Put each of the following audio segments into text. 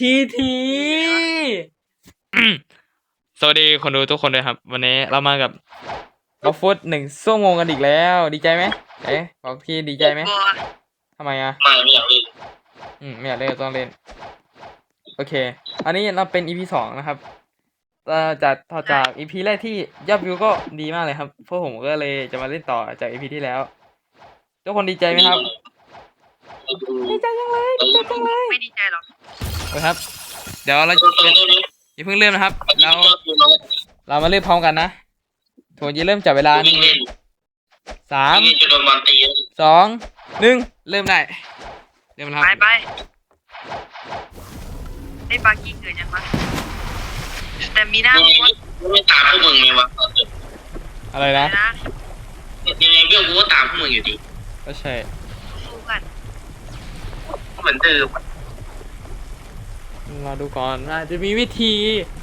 ทีสวัสดีคนดูทุกคนเลยครับวันนี้เรามากับกอล์ฟฟุต1 ชั่วโมงกันอีกแล้วดีใจไหมบอกพี่ดีใจไหมทำไมไม่อยากเล่นไม่อยากเล่นต้องเล่นโอเคอันนี้เราเป็น EP 2นะครับต่อจาก EP แรกที่ยอดวิวก็ดีมากเลยครับพวกผมก็เลยจะมาเล่นต่อจาก EP ที่แล้วทุกคนดีใจไหมครับดีใจจังเลยดีใจจังเลยไม่ดีใจหรอกครับเดี๋ยวเราอย่าเพิ่งเริ่มนะครับเรามาเริ่มพร้อมกันนะผมจะเริ่มจับเวลานี่3 2 1เริ่มได้เริ่มครับไปไอ้ปากี้เกิดยังวะแต่มีหน้าม้วนไม่ตามพวกมึงไงวะอะไรนะยังไงเบี้ยวกูก็ตามพวกมึงอยู่ดีก็ใช่สู้กันเหมือนเดิมเราดูก่อนว่าจะมีวิธี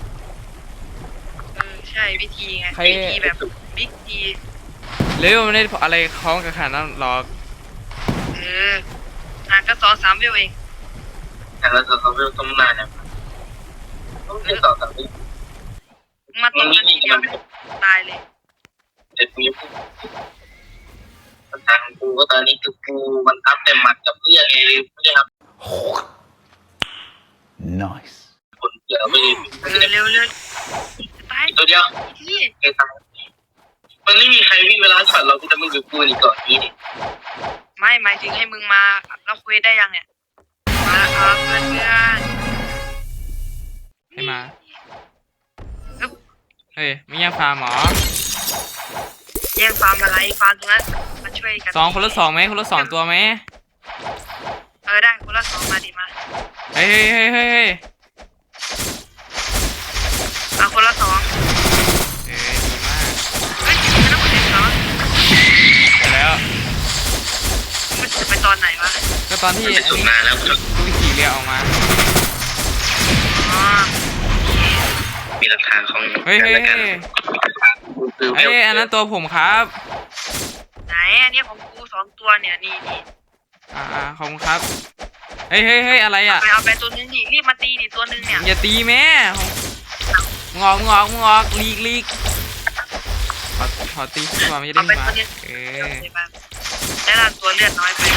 ใช่วิธีไงวิธีแบบบิ๊กทีเร็วไม่ได้อะไรคล้องกับขนาดนั้นหรอกก็2-3 วิวเองแต่เราจะเขาเรื่องต้มนานนะต้องเป็น2-3 วิมาตรงนี้เดียวตายเลยแต่กูปัญหาของกูก็ตอนนี้คือกูมันอัพแต่หมัดกับเพื่อนไงไม่ได้ครับ nice คนเยอะไปเร็วตายตัวเดียวไอ้ทางมันไม่มีใครวิ่งเวลาช็อตเราก็จะมึงกับกูนี่ก่อนนี้ไม่หมายถึงให้มึงมาเราคุยได้ยังเนี่ยมาเพื่อนให้มาเฮ้ยไม่แย่งฟาร์มหรอแย่งฟาร์มอะไรฟาร์มตรงนั้นมาช่วยกันคนละ2ไหมคนละ2ตัวไหมได้คนละ2มาดิมาเฮ้ยคนละ2 ดีมากเฮ้ยไม่ต้องเล่นเหรอไปแล้วมันจะไปตอนไหนวะก็ตอนที่อันนี้ดูขี่เรือออกมามีหลักฐานของเฮ้ยอันนั้นตัวผมครับไหนอันนี้ของกู2 ตัวเนี่ยนี่ขอบคุณครับเฮ้ยอะไรเอาไปตัวนึงดิรีบมาตีดิตัวนึงเนี่ยอย่าตีแม่งอกลีกขอตีตัวไม่ได้มาได้รับตัวเลือดน้อยไป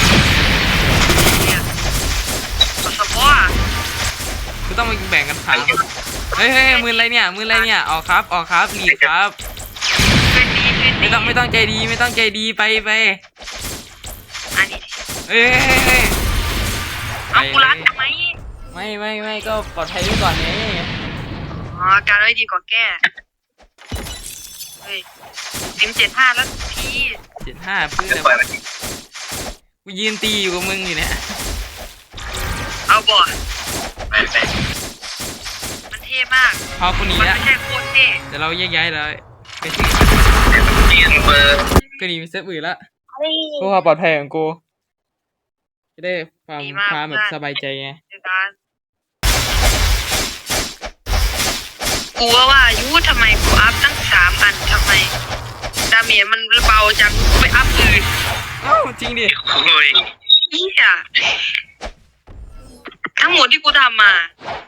สปอร์คือต้องมาแบ่งกันขาเฮ้ยมืออะไรเนี่ยออกครับลีกครับไม่ต้องใจดีไปอันนี้เฮ้ยเอากูรักทำไมไม่ก็ปลอดภัยไว้ก่อนไงการไว้ดีกว่าแก้เฮ้ย75แล้วที 75เพื่อนกูยืนตีอยู่กับมึงอยู่เนี่ยเอาบ่ไปมันเท่มากพอกูหนีแล้วไม่ใช่โคตรเท่เดี๋ยวเราแยกย้ายเลยไปที่ก็หนีไปเซฟอื่นละเพื่อความปลอดภัยของกูจะได้ความแบบสบายใจไงกูว่ายูทำไมกูอัพตั้ง3 อันทำไมดาเมจมันเบาจังไปอัพอื่นจริงดิโอ้ยทั้งหมดที่กูทำมา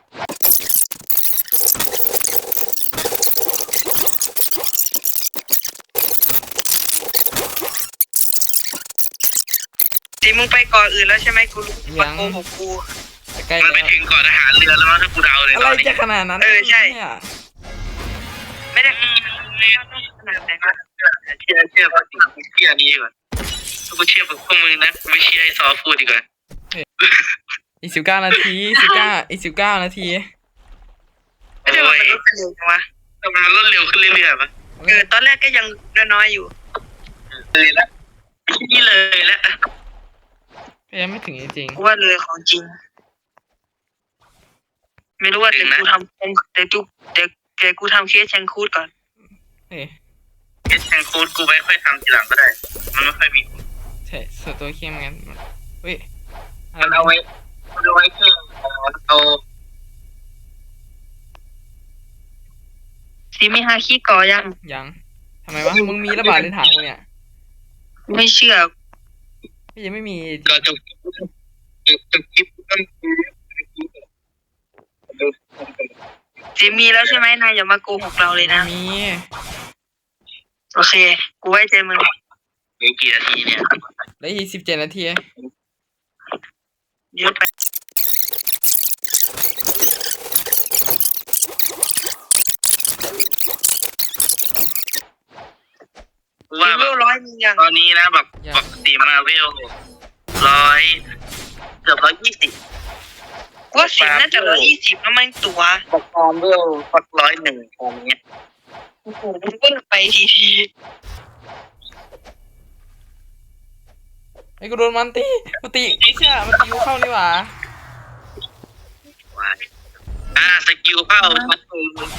สิมึงไปก่อนอื่นแล้วใช่ไหมกูมาโกหกกูมันไปถึงก่อนทหารเรือแล้วมั้งถ้ากูเดาเลยอะไรจะขนาดนั้นใช่ไม่ได้ขนาดไหนวะเชื่อเพราะสิ่งที่นี้ดีกว่ากูเชื่อพวกมึงนะไม่เชื่อไอ้ซอพูดดีกว่าอีก19 นาทีอีก19 นาทีไม่ได้ว่ามันลดเร็วจังวะมันลดเร็วขึ้นเรื่อยๆปะตอนแรกก็ยังน้อยอยู่เลยละนี่เลยละยังไม่ถึงจริงๆว่าเลยของจริงไม่รู้ว่าแต่กูทำแต่กูทำเคสแชงคูดก่อนเคสแชงคูดกูไม่ค่อยทำทีหลังก็ได้มันไม่ค่อยมีใช่ส่วนตัวเข้มงั้นเฮ้ยมันเอาไว้คือเอาซีมี5 ขี้ก่อยังทำไมวะมึงมีระบาดในถังกูเนี่ยไม่เชื่อยังไม่มีก็จบคลิปจิมมีแล้วใช่ไหมนายอย่ามาโกหกเราเลยนะมีโอเค กูไว้ใจมึงเหลือกี่นาทีเนี่ยแล้วอีก17 นาทีเยอะไปกูว่าเลแบเวบล100มียังตอนนี้นะแบบปกติมาเวล100เกือบ120 กูว่าสิบน่าจะ120แล้วมันตัวปกครองเวลสัก101ตอนนี้โอ้โหมึงก็ไปทีไอ้กูโดนมันตีไม่เชื่อมันตีกูเข้านี่หว่าว้ายสกิลเข้าชัดเลย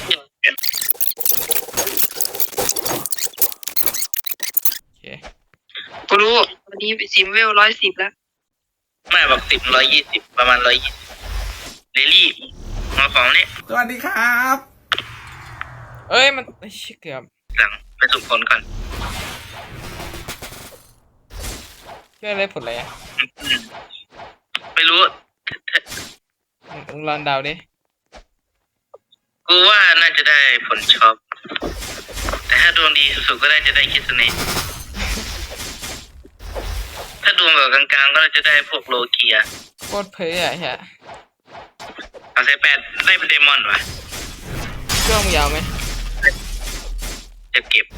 โอเคกูรู้วันนี้สิมเวล110แล้วไม่แบบ120ประมาณ120เรลี่มาของนี่สวัสดีครับเอ้ยมันไอ้เชี่ยเกือบหลังไปสุ่มผลก่อนเชื่ออะไรผลอะไรอ่ะไม่รู้มึงลองเดาดิกูว่าน่าจะได้ผลช็อปแต่ถ้าดวงดีสุดๆก็ได้จะได้คิสเนตถ้าดวงแบบกลางๆก็จะได้พวกโลเกียโคตรเพ้ออ่ะเฮียเอาเซ8ได้เป็นเดมอนว่ะเครื่องมึงยาวไหมจะเก็บ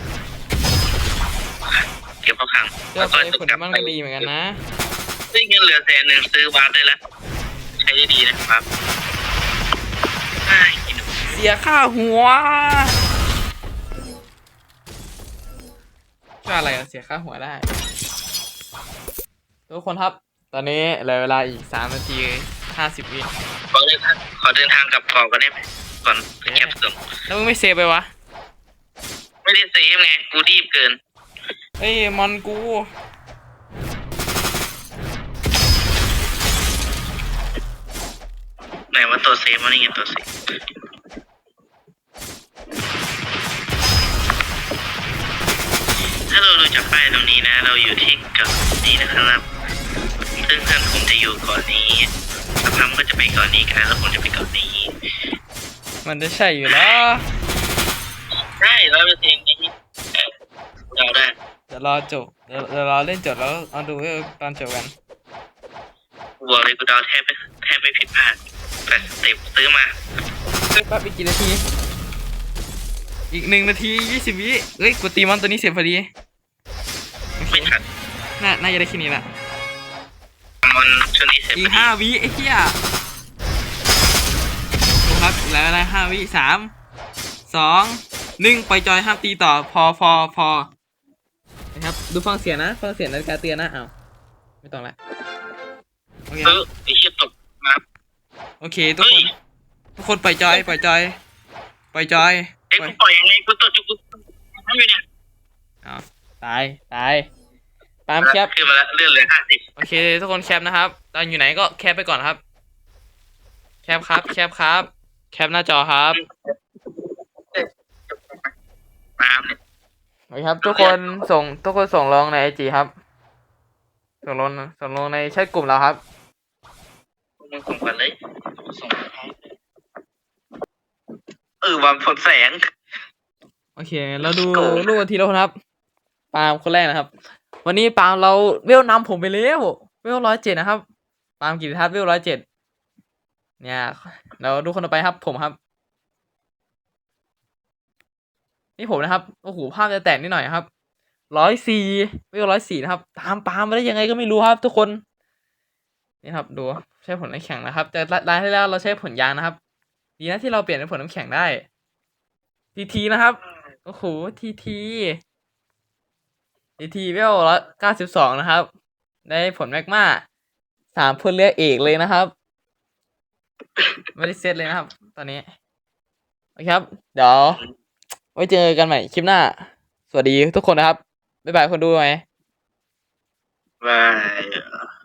เข้าคลังเจ้าไปผลมันก็ดีเหมือนกันนะซื้อเงินเหลือ100,000ซื้อวาร์ปได้แล้วใช้ได้ดีนะครับกินหนูเสียค่าหัวก็อะไรอะเสียค่าหัวได้ ทุกคนครับ ตอนนี้เหลือเวลาอีก3 นาที 50 วิขอเดินทางกลับเกาะกันได้ไหมก่อนแคปส่งแล้วมึงไม่เซฟไปวะไม่ได้เซฟไงกูรีบเกินเอ้ยมอนกูไหนว่าตัวเซฟมันนี่ไงตัวเซฟถ้าเราดูจากป้ายตรงนี้นะ เราอยู่ที่เกาะนี้นะครับซึ่งเพื่อนผมจะอยู่เกาะนี้สักพักก็จะไปเกาะนี้กันแล้วผมจะไปเกาะนี้มันจะใช่อยู่แล้วได้100%นี้เราได้เดี๋ยวรอจบเดี๋ยวรอเล่นจบแล้วเอาดูตอนจบกันกูบอกเลยกูเดาแทบไม่ผิดพลาดแต่สเต็ปซื้อมาแป๊บอีกกี่นาที อีก1 นาที 20 วิเฮ้ยกูตีมอนตัวนี้เสร็จพอดีไม่ทันน่าจะได้แค่นี้ละมันช่วงนี้เสร็จอีก5 วิไอ้เหี้ยดูครับแล้วอะไร5 วิ3 2 1ปล่อยจอยห้ามตีต่อพอนะครับดูฟังเสียงนะฟังเสียงนาฬิกาเตือนนะอ้าวไม่ต้องละโอเคครับไอ้เชี่ยตกมาโอเคทุกคนปล่อยจอยปล่อยจอยเอ้ยกูปล่อยยังไงกูตกจุกทำอยู่เนี่ยอ้าวตายปาล์มแคปขึ้นมาแล้วเลื่อนเหลือ50 โอเคทุกคนแคปนะครับตอนอยู่ไหนก็แคปไปก่อนครับ แคปครับแคปหน้าจอครับน้ำเนี่ยโอเคครับทุกคนส่งลงในไอจีครับ ส่งลงในแชทกลุ่มเราครับมึงส่งกันเลยส่งวันผลแสงโอเค เราดูรูปทีละคนครับ ปาล์มคนแรกนะครับ วันนี้ปาล์มเราเวลนำผมไปแล้วเวล107นะครับ ปาล์มกิติทัศน์เวล107เนี่ยเราดูคนต่อไปครับ ผมครับ นี่ผมนะครับโอ้โหภาพจะแตกนิดหน่อยครับ104เวล104นะครับ ตามปาล์มมาได้ยังไงก็ไม่รู้ครับ ทุกคนนี่ครับดูใช้ผลน้ำแข็งนะครับแต่รายที่แล้วเราใช้ผลยางนะครับ ดีนะที่เราเปลี่ยนเป็นผลน้ำแข็งได้ทีนะครับโอ้โหทีเวล192นะครับ ได้ผลแมกมา3พลเรือเอกเลยนะครับ ไม่ได้เซตเลยนะครับ ตอนนี้โอเคครับ เดี๋ยวไว้เจอกันใหม่คลิปหน้า สวัสดีทุกคนนะครับบ๊ายบายคนดูไหมบาย